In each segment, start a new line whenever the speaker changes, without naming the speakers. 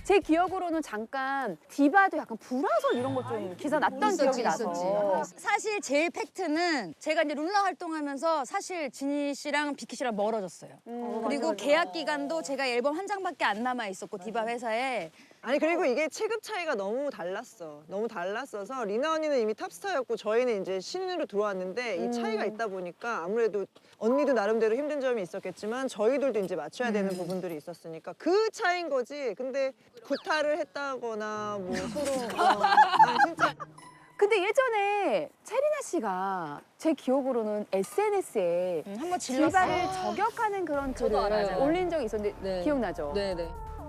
제 기억으로는 잠깐 디바도 약간 불화설 이런 거 좀 기사 났던 기억이 나서.
사실 제일 팩트는 제가 이제 룰라 활동하면서 사실 진희 씨랑 비키 씨랑 멀어졌어요. 그리고
맞아.
계약 기간도 제가 앨범 한 장밖에 안 남아 있었고 디바 회사에
아니 그리고 이게 체급 차이가 너무 달랐어. 너무 달랐어서 리나 언니는 이미 탑스타였고 저희는 이제 신인으로 들어왔는데 이 차이가 있다 보니까 아무래도 언니도 나름대로 힘든 점이 있었겠지만 저희들도 이제 맞춰야 되는 부분들이 있었으니까 그 차이인 거지. 근데 구타를 했다거나 뭐 서로 아니 진짜
근데 예전에 체리나 씨가 제 기억으로는 SNS에
한번 질렀어요.
디바를 저격하는 그런 글을
알아요.
올린 적이 있었는데
네.
기억나죠?
네네.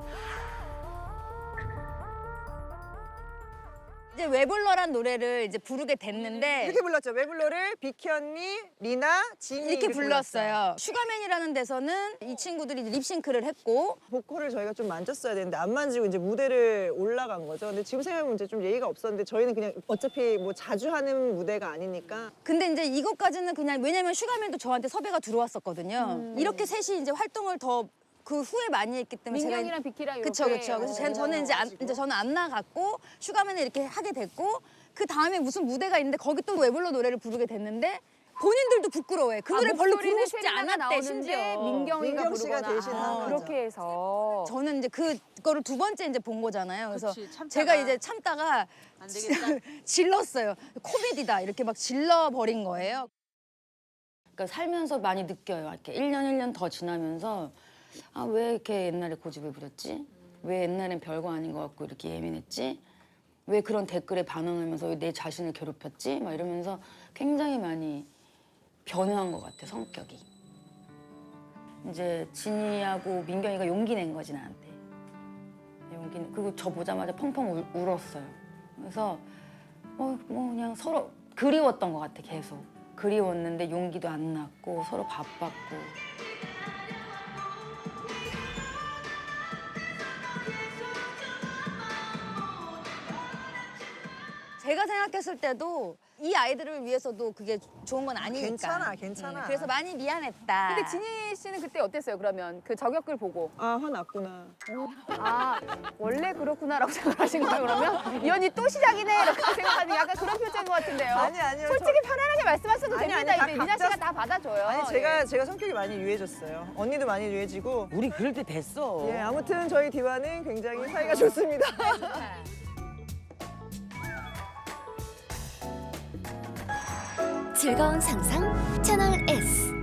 이제 웨블러란 노래를 이제 부르게 됐는데
이렇게 불렀죠. 왜 불러를 비키 언니, 리나, 진이
이렇게 불렀어요. 슈가맨이라는 데서는 이 친구들이 립싱크를 했고
보컬을 저희가 좀 만졌어야 되는데 안 만지고 이제 무대를 올라간 거죠. 근데 지금 생각해보면 이제 좀 예의가 없었는데 저희는 그냥 어차피 뭐 자주 하는 무대가 아니니까
근데 이제 이것까지는 그냥 왜냐면 슈가맨도 저한테 섭외가 들어왔었거든요. 이렇게 셋이 이제 활동을 더 그 후에 많이 했기 때문에
민경이랑 비키랑 이렇게.
그쵸. 그래서 저는 이제 저는 안 나갔고 슈가맨을 이렇게 하게 됐고 그 다음에 무슨 무대가 있는데 거기 또 웨블러 노래를 부르게 됐는데 본인들도 부끄러워해. 그 노래 별로 부르고 싶지 않았대 심지어.
민경이가
민경 씨가
부르거나.
대신 한 거죠.
그렇게 해서.
저는 이제 그거를 두 번째 이제 본 거잖아요. 그래서
그치, 참다가.
제가 이제 참다가
안 되겠다.
질렀어요. 코미디다 이렇게 막 질러 버린 거예요. 그러니까 살면서 많이 느껴요. 이렇게 1년 더 지나면서 아, 왜 이렇게 옛날에 고집을 부렸지? 왜 옛날엔 별거 아닌 것 같고 이렇게 예민했지? 왜 그런 댓글에 반응하면서 왜 내 자신을 괴롭혔지? 막 이러면서 굉장히 많이 변화한 것 같아, 성격이. 이제 진이하고 민경이가 용기 낸 거지, 나한테. 그리고 저 보자마자 펑펑 울었어요. 그래서 뭐 그냥 서로 그리웠던 것 같아, 계속. 그리웠는데 용기도 안 났고 서로 바빴고. 제가 생각했을 때도 이 아이들을 위해서도 그게 좋은 건 아니니까.
괜찮아.
그래서 많이 미안했다.
근데 진희 씨는 그때 어땠어요? 그러면 그 저격글 보고.
아 화났구나.
아, 원래 그렇구나라고 생각하신 거예요, 그러면? 이 언니 또 시작이네 이렇게 생각하는 약간 그런 표정인 것 같은데요.
아니요.
솔직히 편안하게 말씀하셔도
아니,
됩니다.
아니,
이제
다
리나 씨가
각자-
다 받아줘요.
아니
예.
제가 성격이 많이 유해졌어요. 언니도 많이 유해지고.
우리 그럴 때 됐어.
예 아무튼 저희 디바는 굉장히 사이가 좋습니다.
즐거운 상상 채널 S.